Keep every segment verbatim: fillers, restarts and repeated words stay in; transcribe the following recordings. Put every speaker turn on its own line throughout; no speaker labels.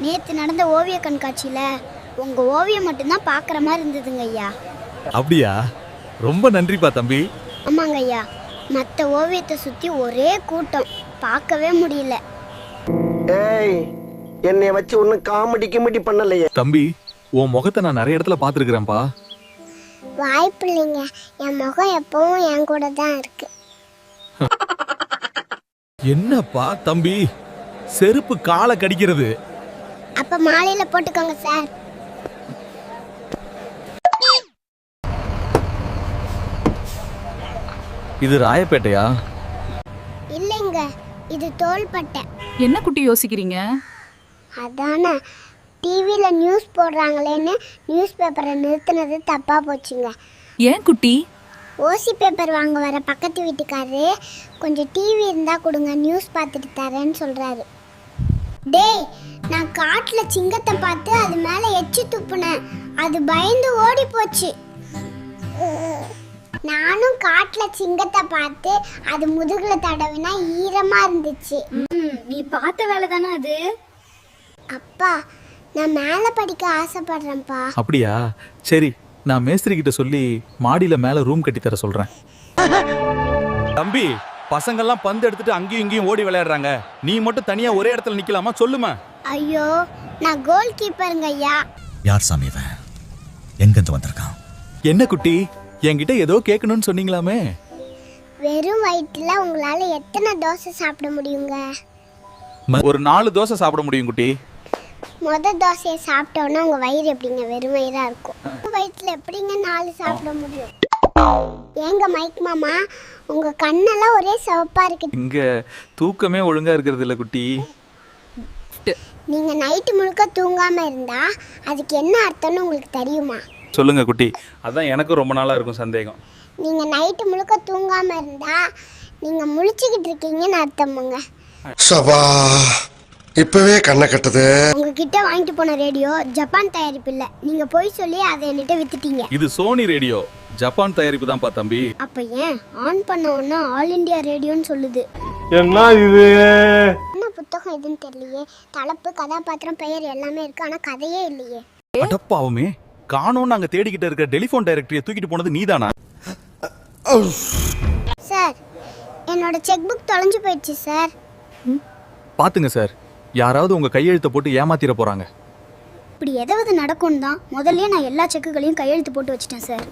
நேற்று நடந்த ஓவிய கண்காட்சியில் உங்கள் ஓவியம் மட்டும்தான் பார்க்குற மாதிரி இருந்ததுங்க ஐயா.
அப்படியா? ரொம்ப நன்றிப்பா தம்பி.
ஆமாங்க ஐயா, மற்ற ஓவியத்தை சுற்றி ஒரே கூட்டம், பார்க்கவே முடியல.
ஏய், என்னை வச்சு ஒன்றும் காமெடி கிமெடி பண்ணலையே.
தம்பி, உன் முகத்தை நான் நிறைய இடத்துல பார்த்துருக்குறேன்ப்பா.
வாய்ப்பு இல்லைங்க, என் முகம் எப்பவும் என் கூட தான் இருக்கு.
என்னப்பா தம்பி, செருப்பு காலை கடிக்கிறது.
அப்ப மாலையில போட்டுக்கோங்க சார்.
இது ராயப்பேட்டையா?
இல்லைங்க, இது தோள்பட்டை.
என்ன குட்டி யோசிக்கிறீங்க?
அதானே டிவியில் நியூஸ் போடுறாங்களேன்னு நியூஸ் பேப்பரை நிறுத்தினது தப்பா போச்சுங்க.
ஏன் குட்டி?
ஓசி பேப்பர் வாங்க வர பக்கத்து வீட்டுக்காரரு கொஞ்சம் டிவி இருந்தா கொடுங்க, நியூஸ் பார்த்துட்டு தரேன்னு சொல்றாரு. டேய், நான் காட்டில் சிங்கத்தை பார்த்து அது மேலே எச்சி துப்புனேன், அது பயந்து ஓடி போச்சு. நானும் காட்டில் சிங்கத்தை பார்த்து அது முதுகுல தடவினா ஈரமா இருந்துச்சு. நீ பார்த்த வேலை தானே அது? அப்பா, நான் மேலே படிக்க ஆசைப்படுறேன்ப்பா.
அப்படியா? சரி, நான் மேஸ்திரி கிட்ட சொல்லி மாடியில மேல ரூம் கட்டி தர சொல்றேன். தம்பி, பசங்கள்லாம் பந்து எடுத்துட்டு அங்கேயும் இங்கேயும் ஓடி விளையாடுறாங்க, நீ மட்டும் தனியா ஒரே இடத்துல நிக்கலாமா? சொல்லுமா.
ஐயோ, நான் கோல் கீப்பருங்க ஐயா.
யார் சாமி இவன்? எங்கிருந்து வந்திருக்கான்?
என்ன குட்டி, என்கிட்ட ஏதோ கேட்கணும்னு சொன்னீங்களாமே?
வெறும் வயிற்றுல உங்களால எத்தனை தோசை சாப்பிட முடியுங்க?
ஒரு நாலு தோசை சாப்பிட முடியும் குட்டி.
முத தோசையை சாப்பிட்டோன்னா உங்க வயிறு எப்படிங்க வெறும் வயிறா இருக்கும்? வயிற்றுல எப்படிங்க நாலு சாப்பிட முடியும்? ஏங்க மைக் மாமா, உங்க கண்ணெல்லாம் ஒரே சிவப்பா இருக்கு.
இங்க தூக்கமே ஒழுங்கா இருக்கிறது இல்ல குட்டி.
நீங்க நைட்டு முழுக்க தூங்காம இருந்தா அதுக்கு என்ன அர்த்தம்னு உங்களுக்கு தெரியுமா?
சொல்லுங்க குட்டி, அதான் எனக்கும் ரொம்ப நாளா இருக்கும் சந்தேகம்.
நீங்க நைட்டு முழுக்க தூங்காம இருந்தா நீங்க முழிச்சுக்கிட்டு இருக்கீங்கன்னு அர்த்தமுங்க.
சபா, இப்பவே கண்ணை கட்டுது.
உங்ககிட்ட வாங்கிட்டு போன ரேடியோ ஜப்பான் தயாரிப்பு இல்ல, நீங்க போய் சொல்லி அதை என்கிட்ட வித்துட்டீங்க.
இது சோனி ரேடியோ, ஜப்பான் தயாரிப்பு தான்ப்பா தம்பி.
அப்ப ஏன் ஆன் பண்ண உடனே ஆல் இந்தியா ரேடியோன்னு சொல்லுது?
என்ன இது?
என்ன புத்தகம் எதுன்னு தெரியலையே. தலைப்பு, கதாபாத்திரம், பெயர் எல்லாமே இருக்கு, ஆனா கதையே இல்லையே.
அடப்பாவுமே, காணோம் நாங்க தேடிக்கிட்டு இருக்க டெலிபோன் டைரக்டரியை தூக்கிட்டு போனது நீதானா?
சார், என்னோட செக் புக் தொலைஞ்சு போயிடுச்சு சார்.
பாத்துங்க சார், யாராவது உங்க கையெழுத்தை போட்டு ஏமாத்திர போறாங்க.
இப்படி எதாவது நடக்கும் தான் முதல்லயே நான் எல்லா செக்குகளையும் கையெழுத்து போட்டு வச்சிட்டேன் சார்.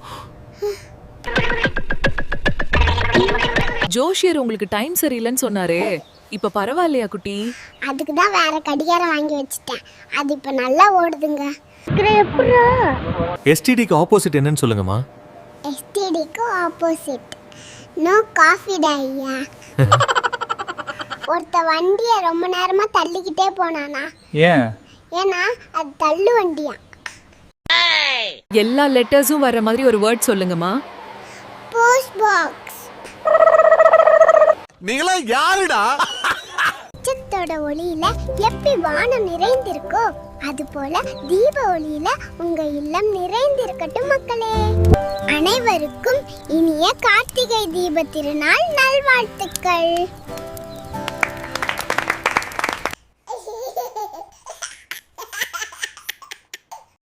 ஜோஷியர் உங்களுக்கு டைம் சரியில்லைன்னு சொன்னாரே, இப்ப பரவாயில்லையா குட்டி?
அதுக்கு தான் வேற கடிகாரம் வாங்கி வச்சிட்டேன், அது இப்ப நல்லா ஓடுதுங்க.
எஸ்டிடிக்கு ஆப்போசிட் என்னன்னு சொல்லுங்கம்மா.
எஸ்டிடிக்கு ஆப்போசிட் நோ காஃபி ஐயா. ஒருத்த வண்டியை ரொம்ப நேரமா தள்ளிக்கிட்டே போனானா?
ஏன்?
ஏன்னா அது தள்ளு வண்டியா.
எல்லா லெட்டர்ஸும் வர மாதிரி ஒரு வேர்ட் சொல்லுங்கம்மா.
Post box.
நீங்களா யாருடா?
நட்சத்திரோட ஒளியில எப்படி வானம் நிறைந்திருக்கோ அது போல தீப ஒளியில உங்க இல்லம் நிறைந்திருக்கட்டும் மக்களே. அனைவருக்கும் இனிய கார்த்திகை தீப திருநாள் நல்வாழ்த்துக்கள்.